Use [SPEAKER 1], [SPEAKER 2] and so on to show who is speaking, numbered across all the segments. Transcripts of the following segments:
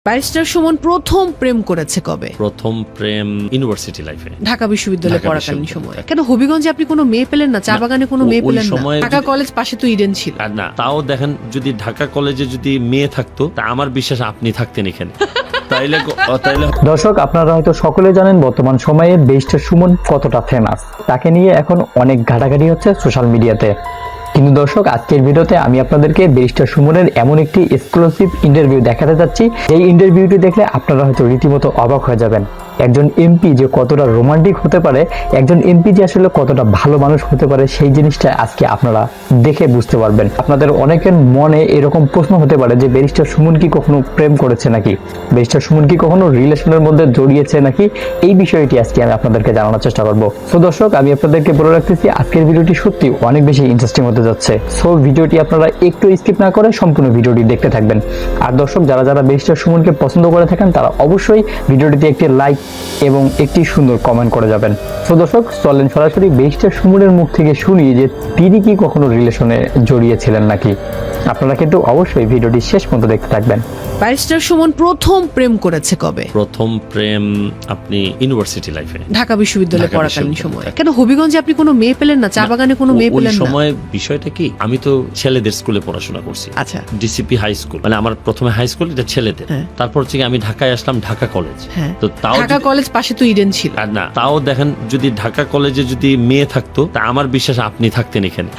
[SPEAKER 1] Barrister Suman প্রথম প্রেম করেছে কবে?
[SPEAKER 2] প্রথম প্রেম ইউনিভার্সিটি লাইফে,
[SPEAKER 1] ঢাকা বিশ্ববিদ্যালয়ে পড়াকালীন সময়। কেন হবিগঞ্জে আপনি কোনো মেয়ে পেলেন না? চা বাগানে কোনো মেয়ে পেলেন না? ঢাকা কলেজ পাশে তো ইডেন ছিল।
[SPEAKER 2] আর না, তাও দেখেন যদি ঢাকা কলেজে যদি মেয়ে থাকতো তা আমার বিশ্বাস আপনি থাকতেন এখানে। তাইলে
[SPEAKER 3] দর্শক, আপনারা হয়তো সকলে জানেন বর্তমান সময়ে ব্যারিস্টার সুমন কতটা ফেমাস। তাকে নিয়ে এখন অনেক ঘাটাঘাটি হচ্ছে সোশ্যাল মিডিয়াতে। কিন্তু দর্শক, আজকের ভিডিওতে আমি আপনাদেরকে ব্যারিস্টার সুমনের এমন একটি এক্সক্লুসিভ ইন্টারভিউ দেখাতে যাচ্ছি, এই ইন্টারভিউটি দেখলে আপনারা হয়তো রীতিমতো অবাক হয়ে যাবেন। একজন এমপি যে কতটা রোমান্টিক হতে পারে, একজন এমপি যে আসলে কতটা ভালো মানুষ হতে পারে, সেই জিনিসটা আজকে আপনারা দেখে বুঝতে পারবেন। আপনাদের অনেকের মনে এরকম প্রশ্ন হতে পারে যে ব্যারিস্টার সুমন কি কখনো প্রেম করেছে নাকি, ব্যারিস্টার সুমন কি কখনো রিলেশনের মধ্যে জড়িয়েছে নাকি, এই বিষয়টি আজকে আমি আপনাদেরকে জানানোর চেষ্টা করব। সো দর্শক, আমি আপনাদেরকে বলে রাখতেছি আজকের ভিডিওটি সত্যি অনেক বেশি ইন্টারেস্টিং হতে যাচ্ছে। সো ভিডিওটি আপনারা একটু স্কিপ না করে সম্পূর্ণ ভিডিওটি দেখতে থাকবেন। আর দর্শক, যারা যারা ব্যারিস্টার সুমনকে পছন্দ করে থাকেন তারা অবশ্যই ভিডিওটিতে একটি লাইক এবং একটি সুন্দর কমেন্ট করে যাবেন। সো দর্শক, চলেন সরাসরি ব্যারিস্টার সুমনের মুখ থেকে শুনি যে তিনি কি কখনো রিলেশনে জড়িয়েছিলেন নাকি। আপনারা কিন্তু অবশ্যই ভিডিওটি শেষ পর্যন্ত দেখতে থাকবেন।
[SPEAKER 1] ব্যারিস্টার সুমন প্রথম প্রেম করেছে কবে?
[SPEAKER 2] প্রথম প্রেম আপনি ইউনিভার্সিটি লাইফে,
[SPEAKER 1] ঢাকা বিশ্ববিদ্যালয়ে পড়াকালীন সময়। কেন হবিগঞ্জে আপনি কোনো মেয়ে পেলেন না? চা বাগানে কোনো মেয়ে পেলেন না?
[SPEAKER 2] ওই সময় বিষয়টা কি, আমি তো ছেলেদের স্কুলে পড়াশোনা করছি।
[SPEAKER 1] আচ্ছা,
[SPEAKER 2] ডিসিপি হাই স্কুল, মানে আমার প্রথমে হাই স্কুল এটা ছেলেদের। তারপর হচ্ছে আমি ঢাকায় আসলাম, ঢাকা কলেজ। তো তাও
[SPEAKER 1] ঢাকা কলেজ পাশে তো ইডেন ছিল।
[SPEAKER 2] আর না, তাও দেখেন যদি ঢাকা কলেজে যদি মেয়ে থাকতো তা আমার বিশ্বাস আপনি থাকতেন এখানে।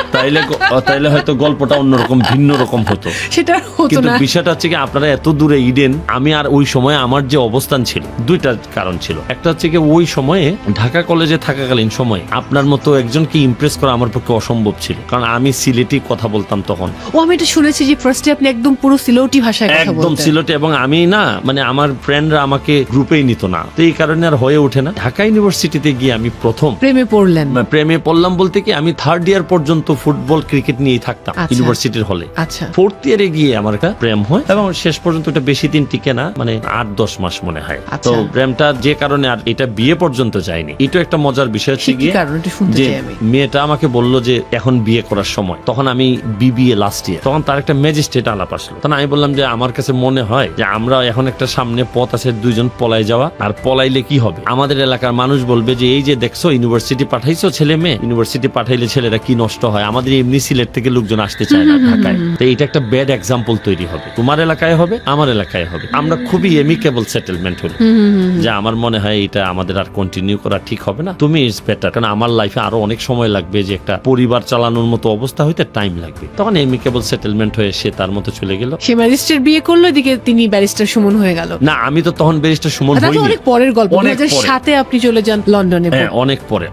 [SPEAKER 2] তাইলে হয়তো গল্পটা অন্যরকম ভিন্ন রকম হতো।
[SPEAKER 1] সেটা হতো
[SPEAKER 2] কিন্তু
[SPEAKER 1] না।
[SPEAKER 2] বিষয়টা হচ্ছে কি, আপনারা এত দূরে ইডেন, আমি আর ওই সময় আমার যে অবস্থান ছিল, দুইটা কারণ ছিল। একটা হচ্ছে কি, ওই সময়ে ঢাকা কলেজে থাকাকালীন সময় আপনার মতো একজনকে ইমপ্রেস করা আমার পক্ষে অসম্ভব ছিল, কারণ আমি সিলেটি কথা বলতাম তখন।
[SPEAKER 1] ও, আমি এটা শুনেছি যে ফার্স্টে আপনি একদম পুরো সিলেটি ভাষায় কথা বলতেন।
[SPEAKER 2] একদম সিলেটি, এবং আমি না, মানে আমার ফ্রেন্ডরা আমাকে গ্রুপেই নিত না, তো এই কারণে আর হয়ে ওঠে না। ঢাকা ইউনিভার্সিটিতে গিয়ে আমি প্রথম
[SPEAKER 1] প্রেমে পড়লেন।
[SPEAKER 2] প্রেমে পড়লাম বলতে কি, আমি থার্ড ইয়ার পর্যন্ত ফুটবল ক্রিকেট নিয়েই থাকতাম ইউনিভার্সিটির হলে।
[SPEAKER 1] আচ্ছা,
[SPEAKER 2] ফোর্থ ইয়ারে গিয়ে আমার একটা প্রেম হয়, এবং শেষ পর্যন্ত এটা বেশি দিন টিকে না, মানে 8-10 মাস মনে হয়। তো প্রেমটা যে কারণে আর এটা বিয়ে পর্যন্ত যায়নি। এটা একটা মজার বিষয় হচ্ছে গিয়ে যে মেয়েটা আমাকে বললো যে এখন বিয়ে করার সময়। তখন আমি বিবিএ লাস্ট ইয়ার, তখন তার একটা ম্যাজিস্ট্রেট আলাপ আসলো। তখন আমি বললাম যে আমার কাছে মনে হয় যে আমরা এখন একটা সামনে পথ আছে, দুইজন পলাই যাওয়া, আর পলাইলে কি হবে, আমাদের এলাকার মানুষ বলবে যে এই যে দেখছো ইউনিভার্সিটি পাঠাইছো ছেলে মেয়ে, ইউনিভার্সিটি পাঠাইলে ছেলেরা কি নষ্ট হয়, আমাদের এমনি সিলেট থেকে লোকজন আসতে চায় না ঢাকায়। তো এটা একটা ব্যাড এক্সাম্পল তৈরি হবে, তোমার এলাকায় হবে, আমার এলাকায় হবে। আমরা খুবই এমিকেবল সেটেলমেন্ট হলো, যে আমার মনে হয় এটা আমাদের আর কন্টিনিউ করা ঠিক হবে না, তুমি ইজ বেটার, কারণ আমার লাইফে আরো অনেক সময় লাগবে, যে একটা পরিবার চালানোর মতো অবস্থা হইতে টাইম লাগবে। তখন এমিকেবল সেটেলমেন্ট হয়ে সে তার মতো চলে গেল।
[SPEAKER 1] সে ম্যাজিস্ট্রেট বিয়ে করলো, এদিকে তিনি ব্যারিস্টার সুমন হয়ে গেল।
[SPEAKER 2] না, আমি তো তখন ব্যারিস্টার সুমন হইনি।
[SPEAKER 1] অনেক পরের গল্প, 2007-এ আপনি চলে যান লন্ডনে।
[SPEAKER 2] অনেক পরে।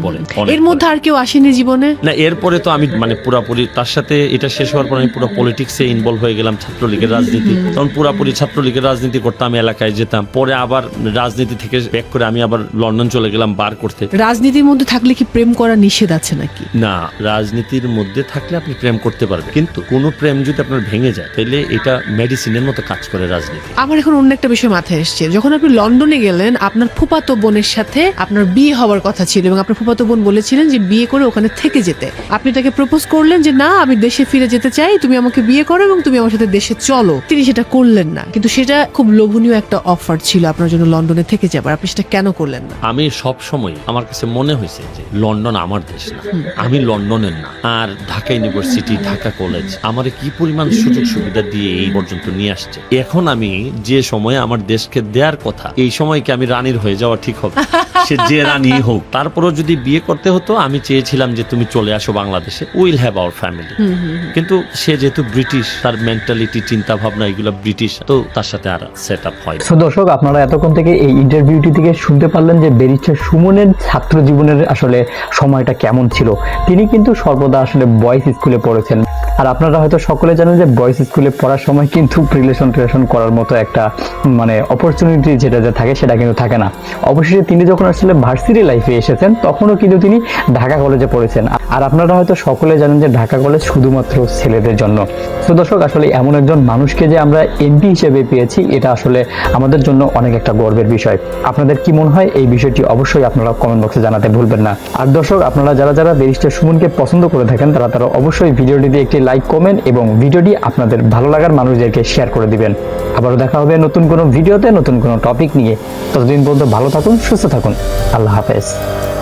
[SPEAKER 1] এর মধ্যে আর কেউ আসেনি জীবনে?
[SPEAKER 2] না, এরপরে তো আমি মানে পুরাপুরি তার সাথে, এটা শেষ হওয়ার পর আমি পুরো পলিটিক্সে ইনভলভ হয়ে গেলাম, ছাত্রলীগের রাজনীতি। তখন পুরাপুরি ছাত্রলীগের রাজনীতি করতাম, এলাকায় যেতাম। পরে আবার রাজনীতি থেকে ব্যাক করে আমি আবার লন্ডন চলে গেলাম বার করতে।
[SPEAKER 1] রাজনীতির মধ্যে থাকলে কি প্রেম করা নিষেধ আছে নাকি?
[SPEAKER 2] না, রাজনীতির মধ্যে থাকলে আপনি প্রেম করতে পারবেন, কিন্তু কোনো প্রেম যদি আপনার ভেঙে যায় তাহলে এটা মেডিসিনের মতো কাজ করে রাজনীতি।
[SPEAKER 1] আমার এখন অন্য একটা বিষয় মাথায় এসছে। যখন আপনি লন্ডনে গেলেন, আপনার ফুফাতো বোনের সাথে আপনার বিয়ে হওয়ার কথা ছিল, এবং আপনার ফুফাতো বোন বলেছিলেন যে বিয়ে করে ওখানে থেকে যেতে। আপনি তাকে প্রপোজ করলেন যে না, আমি দেশে ফিরে যেতে চাই, তুমি আমাকে বিয়ে করো এবং তুমি আমার সাথে দেশে চলো। তিনি সেটা করলেন না, কিন্তু সেটা খুব লোভনীয় একটা অফার ছিল আপনার জন্য লন্ডনে থেকে যাবার। আপনি সেটা কেন করলেন না?
[SPEAKER 2] আমি সব সময় আমার কাছে মনে হয়েছে যে লন্ডন আমার দেশ না, আমি লন্ডনের না। আর ঢাকা ইউনিভার্সিটি, ঢাকা কলেজ আমার কি পরিমাণ সুযোগ সুবিধা দিয়ে এই পর্যন্ত নিয়ে আসছে। এখন আমি যে সময় আমার দেশকে দেওয়ার কথা, এই সময়কে আমি রানীর হয়ে যাওয়া ঠিক হবে? সে যে রানী হোক, তারপরও যদি বিয়ে করতে হতো, আমি চেয়েছিলাম যে তুমি চলে আসো বাংলাদেশে, উইল হ্যাভ আওয়ার ফ্যামিলি। কিন্তু সে যেহেতু ব্রিটিশ, তার মেন্টালিটি, চিন্তা ভাবনা এগুলো ব্রিটিশ, তো তার সাথে আর সেট আপ হয়।
[SPEAKER 3] সো দর্শক, আপনারা এতক্ষণ থেকে এই ইন্টারভিউটি থেকে শুনতে পারলেন যে ব্যারিস্টার সুমনের ছাত্র জীবনের আসলে সময়টা কেমন ছিল। তিনি কিন্তু সর্বদা আসলে বয়েজ স্কুলে পড়েছেন। আর আপনারা হয়তো সকলে জানেন যে বয়েজ স্কুলে পড়ার সময় কিন্তু রিলেশন করার মতো একটা মানে অপরচুনিটি যেটা থাকে সেটা কিন্তু থাকে না। অবশেষে তিনি যখন আসলে ভার্সিটি লাইফে এসেছেন, তখনও কিন্তু তিনি ঢাকা কলেজে পড়েছেন। আর আপনারা হয়তো সকলে জানেন যে ঢাকা কলেজ শুধুমাত্র ছেলেদের জন্য। তো দর্শক, আসলে এমন একজন মানুষকে যে আমরা এমপি হিসেবে পেয়েছি, এটা আসলে আমাদের জন্য অনেক একটা গর্বের বিষয়। আপনাদের কি মনে হয় এই বিষয়টি অবশ্যই আপনারা কমেন্ট বক্সে জানাতে ভুলবেন না। আর দর্শক, আপনারা যারা যারা ব্যারিস্টার সুমনকে পছন্দ করে থাকেন তারা অবশ্যই ভিডিওটিতে একটি লাইক, কমেন্ট এবং ভিডিওটি আপনাদের ভালো লাগার মানুষদেরকে শেয়ার করে দিবেন। আবারও দেখা হবে নতুন কোনো ভিডিওতে, নতুন কোনো টপিক নিয়ে। ততদিন পর্যন্ত ভালো থাকুন, সুস্থ থাকুন। আল্লাহ হাফেজ।